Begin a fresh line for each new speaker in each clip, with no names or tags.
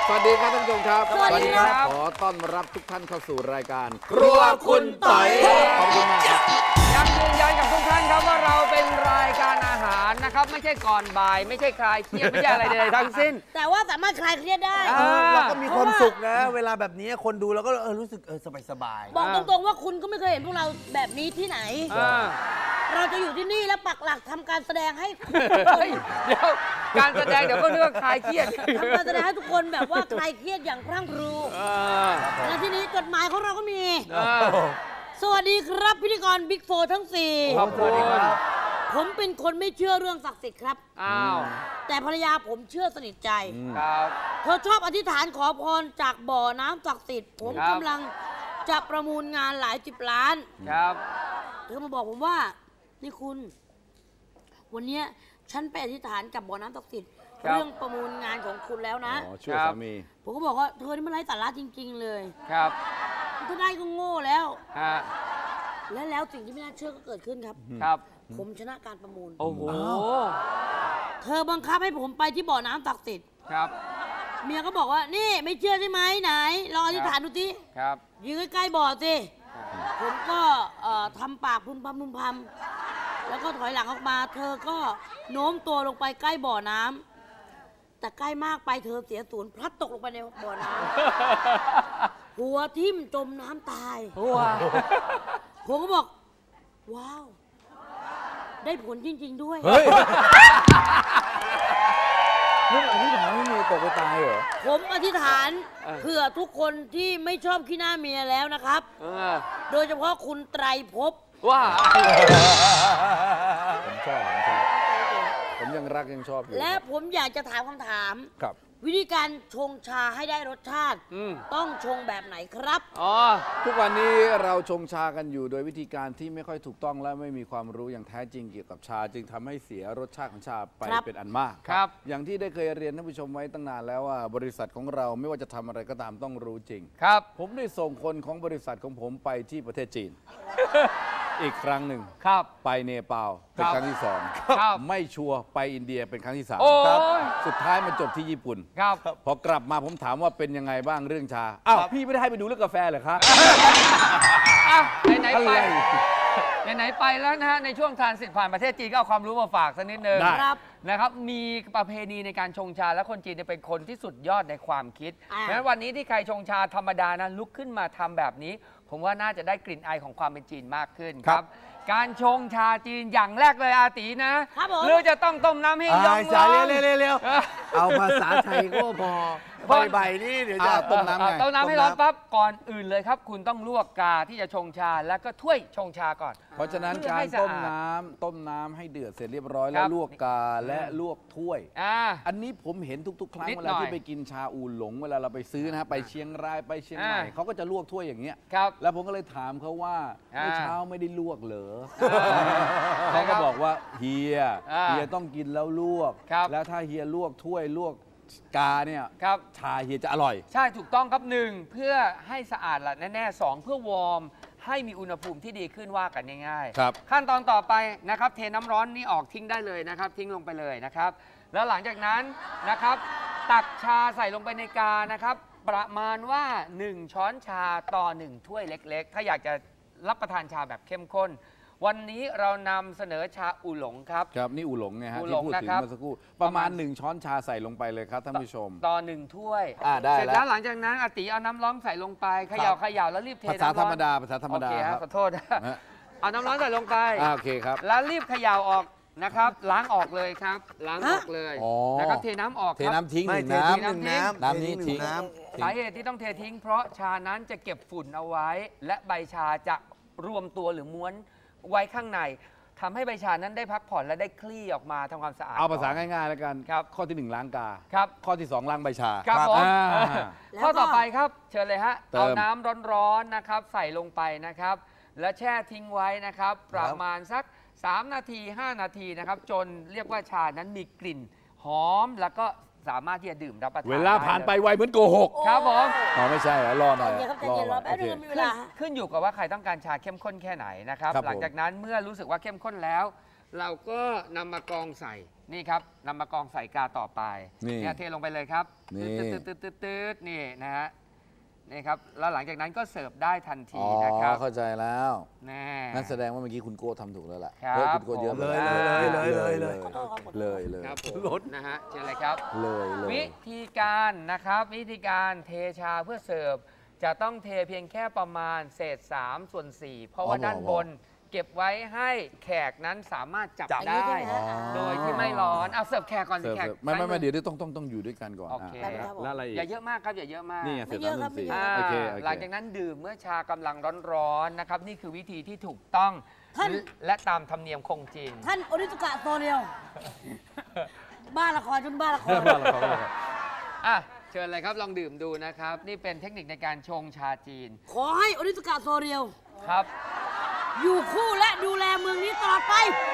สวัสดีครับท่านผู้ชมครับ
สวัสดีครับ
ขอต้อนรับทุกท่านเข้าสู่รายการ
ครัวคุณต๋อย
ขอบคุณมากครับ
ยังยืนยันกับทุกท่านครับว่าเราเป็นรายการอาหารนะครับไม่ใช่ก่อนบ่ายไม่ใช่คลายเครียดไม่ใช่อะไรใดๆทั้งสิ้น
แต่ว่าสามารถคลายเครียดได้
เราก็มีความสุขนะ เวลาแบบนี้คนดูเราก็รู้สึกสบาย
บอกตรงๆว่าคุณก็ไม่เคยเห็นพวกเราแบบนี้ที่ไหน
อ่า
เราจะอยู่ที่นี่แล้วปักหลักทำการแสดงให้
เฮ้ยเดี๋ยวการแสดงเดี๋ยวก็เรื่องคลายเครียด
ทำการแสดงให้ทุกคนแบบว่าคลายเครียดอย่างพรั่งพรู
อ่า
และที่นี้จดหมายของเราก็มี
อ่า
สวัสดีครับพิธีกรบิ๊กโฟทั้ง
ขอบคุณ
4ผมเป็นคนไม่เชื่อเรื่องศักดิ์สิทธิ์ครับ
อ้าว
แต่ภรรยาผมเชื่อสนิทใจ
ครับ
เธอชอบอธิษฐานขอพรจากบ่อน้ำศักดิ์สิทธิ์ผม
ครับ
กำลังจะประมูลงานหลาย10 ล้าน
ครับ
เธอมาบอกผมว่านี่คุณ วันเนี้ยฉันไปอธิษฐานกับบ่อน้ำศักดิ์สิทธิ์เรื่องประมูลงานของคุณแล้วนะ
อ๋อช่วยสามี
ผมก็บอกว่าเธอนี่มันไร้สาระจริง ๆ เลย
ครับ
ถ้าได้ก็โง่แล้ว
ฮะ
แล้วสิ่งที่ไม่น่าเชื่อก็เกิดขึ้นครับ
ครับ
ผมชนะการประมูล
โอ้โห
เธอบังคับให้ผมไปที่บ่อน้ำศักดิ์สิทธิ์
ครับ
เมียก็บอกว่านี่ไม่เชื่อใช่ไหมไหนลองอธิษฐานดูสิ
ครับ
ยืนใกล้ๆบ่อสิผมก็ทำปากพึมพำพึมพำแล้วก็ถอยหลังออกมา เธอก็โน้มตัวลงไปใกล้บ่อน้ำแต่ใกล้มากไปเธอเสียศูนย์พลัดตกลงไปในบ่อน้ำ หัวทิ่มจมน้ำตาย
ว้าว
ผมก็บอก ว้าว ได้ผลจริง ๆ ด้วย
เฮ้ยนี่อธิษฐานให้เมียตกไปตายเหรอ
ผมอธิษฐานเผื่อทุกคนที่ไม่ชอบขี้หน้าเมียแล้วนะครับ
เออ
โดยเฉพาะคุณไตรภพ
ว้า
ผมชอบ ผมยังรักยังชอบอยู่
และผมอยากจะถามคำถาม
ครับ
วิธีการชงชาให้ได้รสชาติ
อืม
ต้องชงแบบไหนครับ
อ๋อ
ทุกวันนี้เราชงชากันอยู่โดยวิธีการที่ไม่ค่อยถูกต้องและไม่มีความรู้อย่างแท้จริงเกี่ยวกับชา จึงทำให้เสียรสชาติของชาไป
ครับ
เป็นอันมาก
ครับ
อย่างที่ได้เคยเรียนท่านผู้ชมไว้ตั้งนานแล้วว่าบริษัทของเราไม่ว่าจะทำอะไรก็ตามต้องรู้จริง
ครับ
ผมได้ส่งคนของบริษัทของผมไปที่ประเทศจีน อีกครั้งหนึ่ง
ครับ
ไปเนปาลเป็นครั้งที่สอง
ครับ
ไม่ชัวร์ไปอินเดียเป็นครั้งที่สาม
โอ้ย
ครับสุดท้ายมันจบที่ญี่ปุ่น
ครับ
พอกลับมาผมถามว่าเป็นยังไงบ้างเรื่องชาอ้าวพี่ไม่ได้ให้ไปดูเรื่องกาแฟเหรอครับ
อ่ะไหนๆไป
อะไร
ไหนๆไปแล้วนะฮะในช่วงทรานสิตผ่านประเทศจีนก็เอาความรู้มาฝากสักนิดนึง
ได้
ครับ
นะครับมีประเพณีในการชงชาและคนจีนเนี่ยเป็นคนที่สุดยอดในความคิด
อ่า
เพราะฉะนั้นวันนี้ที่ใครชงชาธรรมดานะลุกขึ้นมาทำแบบนี้ ผมว่าน่าจะได้กลิ่นอายของความเป็นจีนมากขึ้นครับ การชงชาจีนอย่างแรกเลยอาตีนะครับ
ผม
หรือจะต้องต้มน้ำให้ยอง
สา
ร้อน
เร็วๆเอาภาษาไทยก็พอใบนี่เดี๋ยวจะ
ต้มน้ำไง
ต้มน้ำให้ร้อนปั๊บก่อนอื่นเลยครับ คุณต้องลวกกาที่จะชงชาแล้วก็ถ้วยชงชาก่อน
เพราะฉะนั้น
เพื่อ
การ
ให้สะอาด
ต้มน้ำให้เดือดเสร็จเรียบร้อย
ค
แล้
รั
ว
บ
ลวกกาและลวกถ้วย
อ่า
อันนี้ผมเห็นทุก ๆ ครั้ง
นิด
เว
หน่
ลา
อย
ที่ไปกินชาอูหลงเวลาเราไปซื้อนะฮะไปเชียงรายไปเชียงใหม่
อ่า
เขาก็จะลวกถ้วยอย่างเงี้ย
ครับ
แล้วผมก็เลยถามเขาว่า
อ่า
เมื่อเช้าไม่ได้ลวกเหรอ
ใช่
เขา
ครั
ก็
บ
บอกว่าเฮีย
อ่า
เฮียต้องกินแล้วลวก
ครับ
แล้วถ้าเฮียลวกถ้วยลวกกาเนี่ย
ครับ
ชาเฮียจะอร่อย
ใช่ถูกต้องครับหนึ่งเพื่อให้สะอาดละแน่ๆสองเพื่อวอร์มให้มีอุณหภูมิที่ดีขึ้นว่ากันง่ายๆ
ครับ
ขั้นตอนต่อไปนะครับเทน้ำร้อนนี่ออกทิ้งได้เลยนะครับ ทิ้งลงไปเลยนะครับ แล้วหลังจากนั้นนะครับ ตักชาใส่ลงไปในกานะครับ ประมาณว่า 1 ช้อนชาต่อ 1 ถ้วยเล็กๆ ถ้าอยากจะรับประทานชาแบบเข้มข้น วันนี้เรานำเสนอชาอูหลงครับ
ครับนี่อูหลงไงฮะ
อูหล
ที่
ง
พูดถึง
นะครับ
เมื่อสักครู่ประมาณ1 ช้อนชาใส่ลงไปเลยครับท่านผู้ชม
ต่อ 1 ถ้วย
ได้
เสร็จ
แล้
แล้ว วหลังจากนั้นอาติเอาน้ำร้อนใส่ลงไปเขย่าเขย่าแล้วรีบเท
ภาษา
น้ำ
ธร
ร้อน
รมดาภาษาธรรมดา
โอเค
ค
ฮะ
รับ
ขอโทษนะ
ฮะ
เอาน้ำร้อนใส่ลงไป
โอเคครับ
แล้วรีบเขย่าออกนะครับ ล้างออกเลยครับ ล้างออกเลย
อ๋อ
นะครับเทน้ำออก
เท
ครับ
น้ำทิ้งห
ไม่
นึ่ง
เท
น้
ทิ้งหนึ่งน้ำ
น้ำนี้ทิ้ง
น้
สาเหตุที่ต้องเททิ้ง เพราะชานั้นจะเก็บฝุ่นเอาไว้ และใบชาจะรวมตัวหรือม้วนไว้ข้างในทำให้ใบชานั้นได้พักผ่อนและได้คลี่ออกมาทำความสะอาด
เอาภาษาง่ายๆแล้วกัน
ครับ
ข้อที่ 1 ล้างกา
ครับ
ข้อที่ 2 ล้างใบชา
ครับผม
อ่า
ข้อต่อไปครับ เชิญเลยฮะ
เติม
เอาน้ำร้อนๆนะครับ ใส่ลงไปนะครับ และแช่ทิ้งไว้นะครับ ประมาณสัก 3 นาที 5 นาทีนะครับ จนเรียกว่าชานั้นมีกลิ่นหอมแล้วก็สามารถที่จะดื่มรับประทาน
เวลาผ่านไปไวเหมือนโกหก
ครับผม
อ๋อไม่ใช่เหรอรอหน่อย
ใจเย็นครับใจเย็นรอแป๊บนึง
โอ
มี
เค
เวลา
ขึ้นอยู่กับว่าใครต้องการชาเข้มข้นแค่ไหนนะครับ
ครับผม
หลังจากนั้นเมื่อรู้สึกว่าเข้มข้นแล้วเราก็นำมากองใส่นี่ครับนำมากองใส่กาต่อไป
นี่
เทลงไปเลยครับ
นี่
ตืดนี่นะฮะนี่ครับแล้วหลังจากนั้นก็เสิร์ฟได้ทัน
อ๋
ที
อ
นะครับ
เข้าใจแล้ว
แน่
นั่นแสดงว่าเมื่อกี้คุณโก้ทำถูกแล้วล่ะ
ครับ
เฮ้ยคุณโก้เยอะไป
เลย
เลย
ครับผมรถนะฮะเชิญเลยครับ
เลย
วิธีการนะครับวิธีการเทชาเพื่อเสิร์ฟจะต้องเทเพียงแค่ประมาณเศษ3 ส่วน 4 เพราะว่าด้านบนเก็บไว้ให้แขกนั้นสามารถจับ
อันนี้
ได้
ใช่ไหมฮะ
โดยที่ไม่ร้อนเอาเสิร์ฟแขกก่อนสิ
เสิร์ฟ
แขก
ไม่
ซ้าย
ไม่
อ
เดี๋ยวต้องอยู่ด้วยกันก่อน
โอเค
แล้วอะไรอีก
อย่าเยอะมากครับอย่าเยอะมาก
นี่ไงเสร็จ
ไม่เย
แล้ว
อะครับ
สี่
ไม่เยอะ
โอเค
หลังจากนั้นดื่มเมื่อชากำลังร้อนๆนะครับนี่คือวิธีที่ถูกต้อง
ท่าน
และตามธรรมเนียมคงจริง
ท่านโอริสุกะโซเรียว บ้าละครจนบ้าละคร
อ่ะเชิญเลยครับลองดื่มดูนะครับ นี่เป็นเทคนิคในการชงชาจีน
ขอให้โอริสุกะโซเรียว
ครับ
อยู่คู่และดูแลเมืองนี้ตลอดไป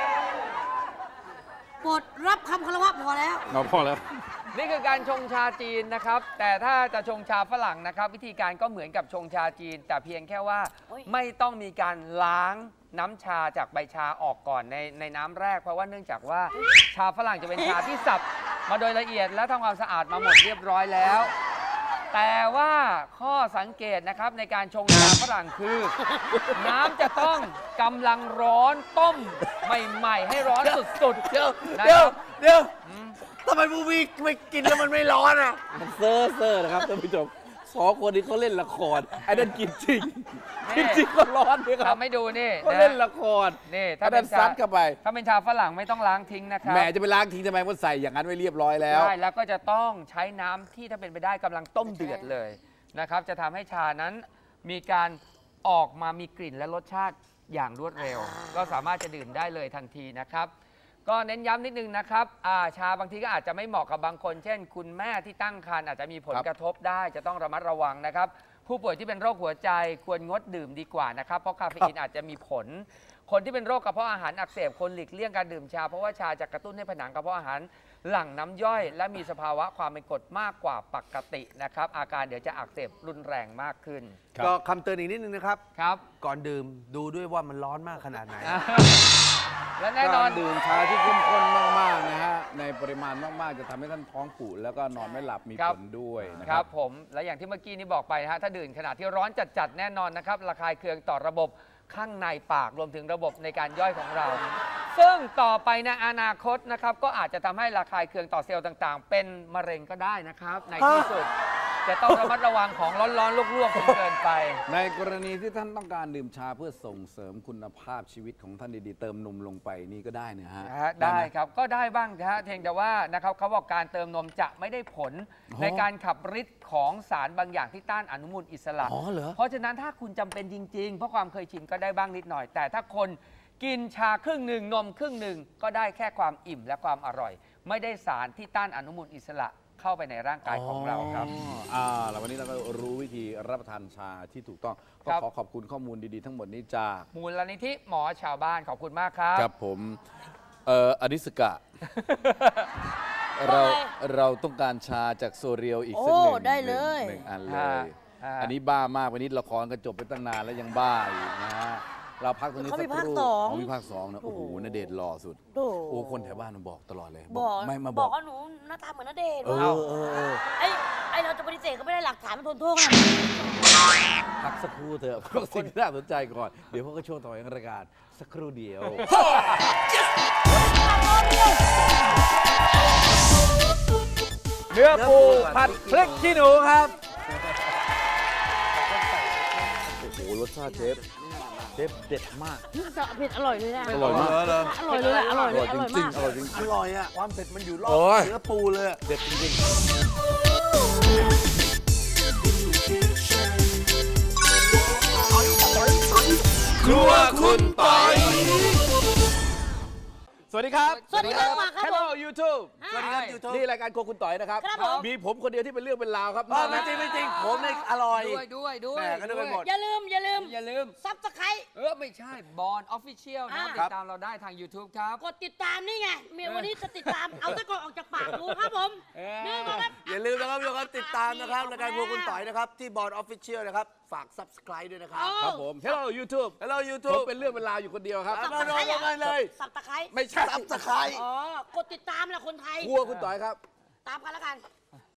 โปรดรับคำคารวะพอแล้ว
เราพอแล้ว
นี่คือการชงชาจีนนะครับ แต่ถ้าจะชงชาฝรั่งนะครับ วิธีการก็เหมือนกับชงชาจีน แต่เพียงแค่ว่า
โอ้ย
ไม่ต้องมีการล้างน้ำชาจากใบชาออกก่อนในน้ำแรก เพราะว่าเนื่องจากว่าชาฝรั่งจะเป็นชาที่สับมาโดยละเอียดและทำความสะอาดมาหมดเรียบร้อยแล้ว แต่ว่าข้อสังเกตนะครับในการชงชาฝรั่งคือ น้ำจะต้องกำลังร้อนต้มใหม่ๆให้ร้อนสุดๆ
เดี๋ยว
นะ
เดี๋
ค
ยว
รับ
เดี๋ยวทำไมมูวีไม่กินแล้วมันไม่ร้อนอ่ะ
มันเซ่อนะครับท่านผู้ชมสองคนนี้เขาเล่นละครไอ้นั่นกินจริง
นี่
กินจริงก็ร้อนด้วยครับ
ทำให้ดูนี่
เขา
นะ
เล่นละคร
นี่
ถ้าดันซัดเข้าไป
ถ้าเป็นชาฝรั่งไม่ต้องล้างทิ้งนะครับ
แหมจะไปล้างทิ้งทำไมมันใส่อย่างนั้นไว้เรียบร้อยแล้ว
ใช่แล้วก็จะต้องใช้น้ำที่ถ้าเป็นไปได้กำลังต้มเดือดเลยนะครับ จะทำให้ชานั้นมีการออกมามีกลิ่นและรสชาติอย่างรวดเร็ว ก็สามารถจะดื่มได้เลยทันทีนะครับ ก็เน้นย้ำนิดนึงนะครับชาบางทีก็อาจจะไม่เหมาะกับบางคน เช่น คุณแม่ที่ตั้งครรภ์อาจจะมีผล
ครับ
กระทบได้จะต้องระมัดระวังนะครับ ผู้ป่วยที่เป็นโรคหัวใจควรงดดื่มดีกว่านะครับ เพราะคาเฟอีนอาจจะมีผล คนที่เป็นโรคกระเพาะอาหารอักเสบคนหลีกเลี่ยงการดื่มชา เพราะว่าชาจะกระตุ้นให้ผนังกระเพาะอาหารหลั่งน้ำย่อย และมีสภาวะความเป็นกรดมากกว่าปกตินะครับ อาการเดี๋ยวจะอักเสบรุนแรงมากขึ้น
ครับ
ก็คำเตือนอีกนิดนึงนะครับ
ครับ
ก่อนดื่มดูด้วยว่ามันร้อนมากขนาดไหน
และแน่นอน
การดื่มชาที่เข้มข้นมากๆนะฮะในปริมาณมากๆจะทำให้ท่านท้องผูกแล้วก็นอนไม่หลับมี
ครั
ผ
บ
ลด้วยนะ
ค
ค
รั
รั
บบ ผมและอย่างที่เมื่อกี้นี้บอกไปนะฮะถ้าดื่มขณะที่ร้อนจัดๆแน่นอนนะครับระคายเคืองต่อระบบข้างในปากรวมถึงระบบในการย่อยของเรา ซึ่งต่อไปในอนาคตนะครับก็อาจจะทำให้ระคายเคืองต่อเซลล์ต่างๆ เป็นมะเร็งก็ได้นะครับ ในที่สุดจะต้องระมัดระวังของร้อนๆลวกๆจนเกินไป
ในกรณีที่ท่านต้องการดื่มชาเพื่อส่งเสริมคุณภาพชีวิตของท่านดีๆ เติมนมลงไปนี่ก็ได้นะฮะ
ได้
หม
ครับก็ได้บ้างนะฮะเพียงแต่ว่านะครับเขาบอกการเติมนมจะไม่ได้ผล
อ๋อ
ในการขับฤทธิ์ของสารบางอย่างที่ต้านอนุมูลอิสระ
อ๋อเหรอ
เพราะฉะนั้นถ้าคุณจำเป็นจริง ๆ เพราะความเคยชินก็ได้บ้างนิดหน่อย แต่ถ้าคนกินชาครึ่งหนึ่งนมครึ่งหนึ่งก็ได้แค่ความอิ่มและความอร่อย ไม่ได้สารที่ต้านอนุมูลอิสระเข้าไปในร่างกายของเราครับ
แล้ววันนี้เราก็รู้วิธีรับประทานชาที่ถูกต้องก็
ครับ
ขอขอบคุณข้อมูลดีๆทั้งหมดนี้จาก
มูลนิธิหมอชาวบ้านขอบคุณมากครับ
ครับผมอนิสกะ เราเราต้องการชาจากโซเรียลอีกสักหนึ่ง
โอ้ได้เลย
หนึ่งอันเล
ฮะ
ย
ฮะ
อันนี้บ้ามากวันนี้ละครก็จบไปตั้งนานแล้วยังบ้าอีกนะฮะเราพักตรงนี้
เขา
สั
มี
กค
ภาค
รู่
สอง
มีภาคสองนะโอ้โหณเดชน์หล่อสุด
โอ้
โอ้คนแถวบ้านมันบอกตลอดเลย
บอก
ไม่มา
บบ อ
อก ก
ว่าหนูหน้าตาเหมือนณเดชน์
เอ
ว่ะ
อ
ไอ้เราจะปฏิเสธก็ไม่ได้หลักฐานมันทนโทษขนาดนี้
พักสักครู่เถอะพักสิ่งที่น่าสนใจก่อน เดี๋ยวพวกก็ช่วงต่อของรายการสักครู่เดียว เนื้อปูผัดพริกขี้หนูครับ โอ้โห รสชาติเชฟเด็ดมาก
จะเผ็ดอร่อยเลยนะ
อร่อยมาก
อร่อยเลยอะอร่อย
อ
เล
ร่
ย
อย
อ
จ
ร่อย
ริง
มาก
ๆอร่อยจริง
อร่อยอ่ะ ความเผ็ดมันอยู่รอบ
โอ้ย
เนื้อปูเลยอะ
ๆเด็ดจริงๆครัวคุณปอย สวัสดีครับ
สวัสดีครับมาครับผม
Hello YouTube
สวัสดีครับ
YouTube
นี่รายการโครัวคุณต่อยนะครับ
ครับผม
มีผมคนเดียวที่เป็นเรื่องเป็นราวครับ
ไม่จริงไม่จริงผมเนี่ยอร่อย
ด้วย
แหม่ก็นึกไปหมด
อย่าลืม
อย่าลืม
ซับสไครต์
ไม่ใช่บอลออฟฟิเชียลนะ
อ่า
ติดตามเราได้ทาง YouTube ครับ
กดติดตามนี่ไงวันนี้จะติดตาม เอาตะกอนออกจากปากดูครับผม
เออ
นี่มาครับ
อย่าลืมนะครับทุกคนติดตามนะครับรายการครัวคุณต่อยนะครับ ที่บอร์ดออฟฟิเชียลนะครับ ฝาก subscribe ด้วยนะครับ
ครับผม Hello YouTube
Hello
ผม
YouTube
เป็นเรื่องเป็นราวอยู่คนเดียวครับ
มาลงกันเลย
สับตะไคร้
ไม่ใช่
subscribe
อ๋อกดติดตามแหละคนไทย
ครัวคุณต่อยครับ
ตามกันแล้วกัน